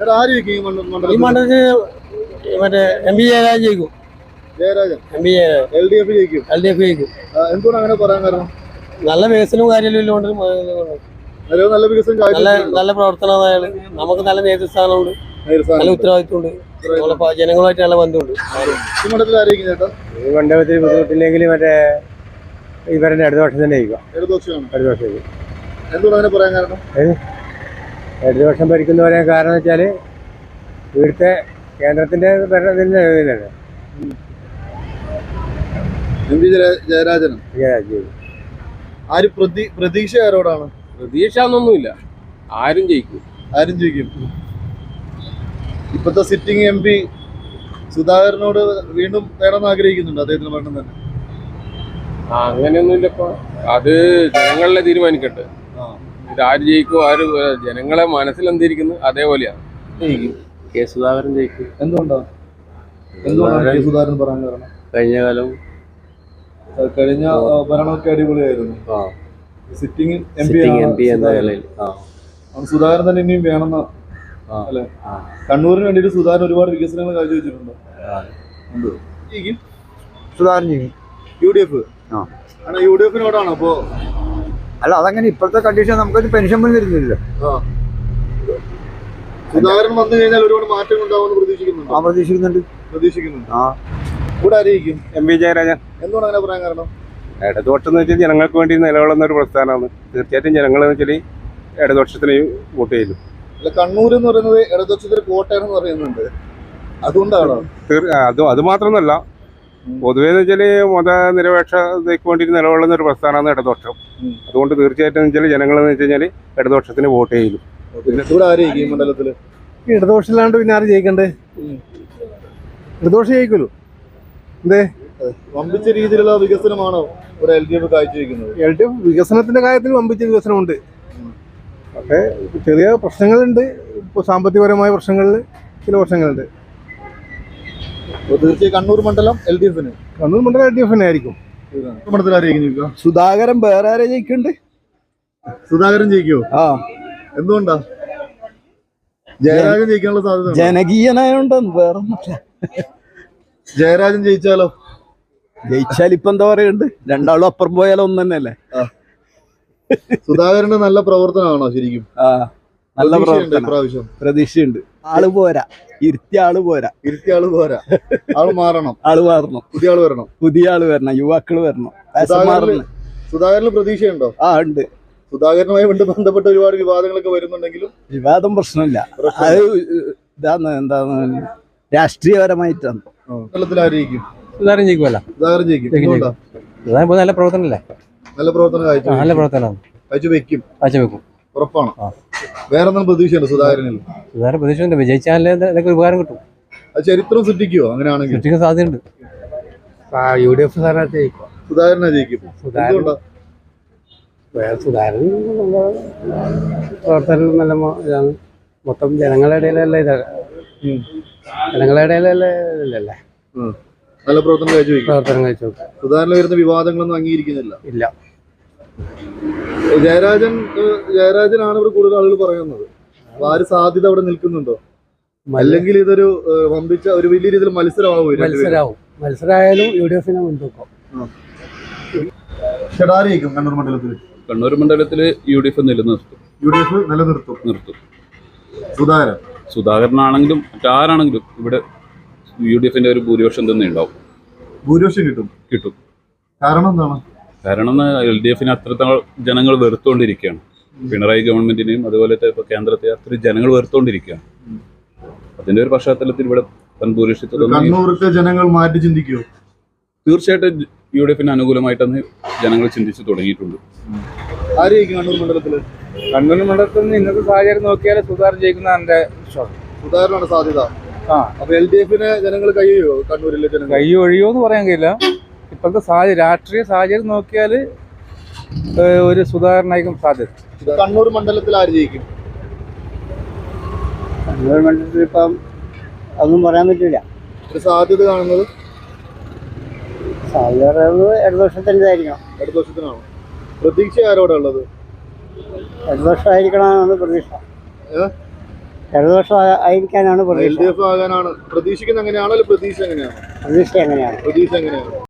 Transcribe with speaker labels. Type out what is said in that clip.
Speaker 1: ഈ മണ്ഡലത്തിൽ മറ്റേ എം പി ജയരാജൻ ജയിക്കും. M P L D F ജയിക്കും.
Speaker 2: എന്തുകൊണ്ട് അങ്ങനെ പറയാൻ കാരണം?
Speaker 1: നല്ല വികസനവും കാര്യമില്ലോണ്ട് നല്ല പ്രവർത്തനം അയാൾ. നമുക്ക് നല്ല നേതൃസ്ഥാനമുണ്ട്, നല്ല ഉത്തരവാദിത്വമുണ്ട്, ജനങ്ങളുമായിട്ട് നല്ല ബന്ധമുണ്ട്.
Speaker 2: ഈ
Speaker 3: മണ്ഡലത്തിൽ ബുദ്ധിമുട്ടില്ലെങ്കിൽ മറ്റേ ഇവരുടെ അടുത്ത വർഷം തന്നെ അടുത്ത വർഷം ഭരിക്കുന്നവരെ കാരണം വെച്ചാൽ ഇവിടുത്തെ കേന്ദ്രത്തിന്റെ ഭരണത്തിൻ്റെ
Speaker 2: ജയരാജൻ പ്രതീക്ഷ ആരോടാണ്?
Speaker 4: പ്രതീക്ഷ എന്നൊന്നുമില്ല, ആരും ജയിക്കും.
Speaker 2: ഇപ്പോഴത്തെ സിറ്റിംഗ് എം പി സുധാകരനോട് വീണ്ടും വേണമെന്ന് ആഗ്രഹിക്കുന്നുണ്ട് അദ്ദേഹത്തിന് വേണം തന്നെ.
Speaker 4: അങ്ങനെയൊന്നുമില്ല. ഇപ്പൊ അത് ജനങ്ങളെ തീരുമാനിക്കട്ടെ. ഇതാര് ജയിക്കും, ആര് ജനങ്ങളെ മനസ്സിൽ എന്തിരിക്കുന്നു അതേപോലെയാണ്.
Speaker 3: കെ സുധാകരൻ ജയിക്കും.
Speaker 2: എന്തുകൊണ്ടാണ് സുധാകരൻ പറയാൻ കാരണം? കഴിഞ്ഞ ഭരണമൊക്കെ അടിപൊളിയായിരുന്നു. സിറ്റിംഗ് എം പി സുധാകരൻ തന്നെ ഇനിയും വേണമെന്ന അല്ലെ? കണ്ണൂരിന് വേണ്ടിയിട്ട് സുധാകരൻ ഒരുപാട് വികസനങ്ങൾ കാഴ്ചവെച്ചിട്ടുണ്ട്.
Speaker 3: സുധാകരൻ ജയിക്കും.
Speaker 2: UDF UDF-നോടാണ്. അപ്പോ
Speaker 3: അല്ല, അതങ്ങനെ ഇപ്പോഴത്തെ കണ്ടീഷൻ നമുക്കൊരു പെൻഷൻ പോലും തരുന്നില്ല.
Speaker 2: സുധാകരൻ വന്നു കഴിഞ്ഞാൽ ഒരുപാട് മാറ്റങ്ങൾ ഉണ്ടാവുമെന്ന് പ്രതീക്ഷിക്കുന്നുണ്ട്. ഇവിടെ ആരെയും
Speaker 3: എം പി ജയരാജൻ.
Speaker 2: എന്തുകൊണ്ട് അങ്ങനെ പറയാൻ കാരണം?
Speaker 3: ഇടതുപക്ഷം എന്ന് വെച്ചാൽ ജനങ്ങൾക്ക് വേണ്ടി നിലകൊള്ളുന്ന ഒരു പ്രസ്ഥാനമാണ്. തീർച്ചയായിട്ടും ജനങ്ങൾ എന്ന് വെച്ചാൽ ഇടതുപക്ഷത്തിന് വോട്ട് ചെയ്യും.
Speaker 2: അല്ല, കണ്ണൂർ എന്ന് പറയുന്നത് ഇടതുപക്ഷത്തിന് കോട്ടയാണെന്ന് പറയുന്നുണ്ട്. അതുകൊണ്ടാണോ?
Speaker 3: അത് മാത്രമൊന്നുമല്ല, പൊതുവേ എന്ന് വെച്ചാൽ മതനിരപേക്ഷതയ്ക്ക് വേണ്ടി നിലകൊള്ളുന്ന ഒരു പ്രസ്ഥാനമാണ് ഇടതുപക്ഷം. അതുകൊണ്ട് തീർച്ചയായിട്ടും വെച്ചാൽ ജനങ്ങൾ എന്ന് വെച്ച് കഴിഞ്ഞാൽ ഇടതുപക്ഷത്തിന് വോട്ട് ചെയ്യും.
Speaker 2: ഇവിടെ ആരെയും മണ്ഡലത്തില്
Speaker 3: ഇടതുപക്ഷമില്ലാണ്ട് പിന്നെ ആരും ജയിക്കണ്ടേ? ഇടതുപക്ഷം ജയിക്കുമല്ലോ. എന്തേ
Speaker 2: വമ്പിച്ച രീതിയിലുള്ള വികസനമാണോ ഇവിടെ LDF കാഴ്ചവെക്കുന്നത്?
Speaker 3: LDF വികസനത്തിന്റെ കാര്യത്തിൽ വമ്പിച്ച വികസനമുണ്ട്. പക്ഷേ ചെറിയ പ്രശ്നങ്ങളുണ്ട്. ഇപ്പോൾ സാമ്പത്തികപരമായ പ്രശ്നങ്ങളിൽ ചില പ്രശ്നങ്ങളുണ്ട്.
Speaker 2: തീർച്ചയായും കണ്ണൂർ മണ്ഡലം LDF
Speaker 3: ആയിരിക്കും.
Speaker 1: സുധാകരൻ വേറെ ആരെ ജയിക്കുന്നുണ്ട്?
Speaker 2: സുധാകരൻ ജയിക്കുമോ? എന്തുകൊണ്ടാ? ജയരാജൻ ജയിക്കാനുള്ള സാധ്യത
Speaker 1: ജനകീയനായോണ്ടെന്ന് വേറൊന്നുമില്ല.
Speaker 2: ജയരാജൻ
Speaker 1: ജയിച്ചാൽ ഇപ്പൊ എന്താ പറയുന്നുണ്ട്? രണ്ടാളും അപ്പുറം പോയാലോ ഒന്ന് തന്നെയല്ലേ.
Speaker 2: സുധാകരന്റെ നല്ല പ്രവർത്തനമാണോ ശരിക്കും?
Speaker 1: നല്ല പ്രവർത്തനം പ്രതീക്ഷയുണ്ട്. ആള് പോരാ, ഇരുത്തിയ ആള് പോരാ.
Speaker 2: ആള് മാറണം.
Speaker 1: പുതിയ ആള് വരണം. യുവാക്കള് വരണം.
Speaker 2: സുധാകരന് പ്രതീക്ഷയുണ്ടോ?
Speaker 1: ഉണ്ട്.
Speaker 2: സുധാകരനുമായി ബന്ധപ്പെട്ട ഒരുപാട് വിവാദങ്ങളൊക്കെ വരുന്നുണ്ടെങ്കിലും
Speaker 1: വിവാദം പ്രശ്നമില്ല. അത് ഇതാണ് എന്താണ് രാഷ്ട്രീയപരമായിട്ടാണ്.
Speaker 4: സുധാകരൻ ജയിക്കുമല്ലോ. നല്ല പ്രവർത്തനമല്ലേ?
Speaker 2: നല്ല പ്രവർത്തനം
Speaker 4: കാഴ്ചവെക്കും.
Speaker 2: ഉറപ്പാണ്. വേറെ എന്തെങ്കിലും പ്രതീക്ഷയുണ്ട് സുധാകരനിൽ?
Speaker 4: പ്രതീക്ഷയുണ്ട്. വിജയിച്ചാലേ ഇതൊക്കെ ഉപകാരം കിട്ടും.
Speaker 2: അത് ചരിത്രം സൃഷ്ടിക്കുവോ? അങ്ങനെയാണെങ്കിൽ
Speaker 4: സാധ്യതയുണ്ട്.
Speaker 3: UDF സ്ഥാനാർത്ഥി ജയിക്കും.
Speaker 2: സുധാകരനെ ജയിക്കും.
Speaker 4: സുധാകരൻ പ്രവർത്തനം നല്ല ഇതാണ്. മൊത്തം ജനങ്ങളുടെ ഇടയിലല്ല ഇതാണ്. ജനങ്ങളുടെ ഇടയിലല്ലേ
Speaker 2: നല്ല പ്രവർത്തനം കാഴ്ചവെക്കും. സുധാകരൻ വരുന്ന വിവാദങ്ങളൊന്നും അംഗീകരിക്കുന്നില്ല.
Speaker 4: ഇല്ല.
Speaker 2: ജയരാജനാണ് ഇവിടെ കൂടുതൽ ആളുകൾ പറയുന്നത്. അപ്പൊ ആര് സാധ്യത അവിടെ നിൽക്കുന്നുണ്ടോ? അല്ലെങ്കിൽ ഇതൊരു വമ്പിച്ച ഒരു വലിയ രീതിയിൽ
Speaker 4: മത്സരമായാലും UDF-നെ മുൻതൂക്കം.
Speaker 2: കണ്ണൂർ മണ്ഡലത്തില്
Speaker 4: UDF
Speaker 2: നിലനിർത്തും.
Speaker 4: സുധാകരനാണെങ്കിലും മറ്റാരാണെങ്കിലും ഇവിടെ UDF-ന്റെ ഒരു ഭൂരിപക്ഷം തന്നെ ഉണ്ടാവും.
Speaker 2: ഭൂരിപക്ഷം കിട്ടും. കാരണം എന്താണ്?
Speaker 4: കാരണം LDF-നെ അത്രത്തോളം ജനങ്ങൾ വെറുത്തുകൊണ്ടിരിക്കുകയാണ്. പിണറായി ഗവൺമെന്റിനെയും അതുപോലത്തെ ഇപ്പൊ കേന്ദ്രത്തെ അത്രയും ജനങ്ങൾ വെറുത്തുകൊണ്ടിരിക്കുകയാണ്. അതിന്റെ ഒരു പശ്ചാത്തലത്തിൽ ഇവിടെ
Speaker 2: കണ്ണൂരത്തെ ജനങ്ങൾ മാറ്റി ചിന്തിക്കുമോ?
Speaker 4: തീർച്ചയായിട്ടും UDF-ന് അനുകൂലമായിട്ടാണ് ജനങ്ങൾ ചിന്തിച്ചു തുടങ്ങിയിട്ടുണ്ട്.
Speaker 3: കണ്ണൂർ മണ്ഡലത്തിൽ ഇന്നത്തെ സാഹചര്യം നോക്കിയാൽ സുധാകരൻ ജയിക്കുന്ന എന്റെ വിശ്വാസം.
Speaker 2: സുധാകരനാണ് സാധ്യത. അപ്പൊ LDF-നെ ജനങ്ങൾ കൈയ്യോ? കണ്ണൂരിലെ ജനങ്ങൾ
Speaker 3: കൈ ഒഴിയോന്ന് പറയാൻ കഴിയില്ല. ഇപ്പോഴത്തെ രാഷ്ട്രീയ സാഹചര്യം നോക്കിയാൽ ഒരു സുധാകരനായിരിക്കും സാധ്യത.
Speaker 2: കണ്ണൂർ മണ്ഡലത്തിൽ ആര് ജയിക്കും?
Speaker 3: കണ്ണൂർ മണ്ഡലത്തിൽ ഇപ്പം അതൊന്നും പറയാൻ പറ്റില്ല.
Speaker 2: ഒരു സാധ്യത കാണുന്നത്
Speaker 3: ഇടതുപക്ഷത്തിനാണോ?
Speaker 2: പ്രതീക്ഷ ആരോടാ ഉള്ളത്?
Speaker 3: ഇടതുപക്ഷമായിരിക്കണമെന്നാണ് പ്രതീക്ഷ.
Speaker 1: ഇടതുപക്ഷം ആയിരിക്കാനാണ്
Speaker 2: LDF ആകാനാണ് പ്രതീക്ഷിക്കുന്നത്. അങ്ങനെയാണോ അല്ല പ്രതീക്ഷ എങ്ങനെയാണ്?
Speaker 1: പ്രതീക്ഷ എങ്ങനെയാണ്?
Speaker 2: പ്രതീക്ഷ എങ്ങനെയാണ്?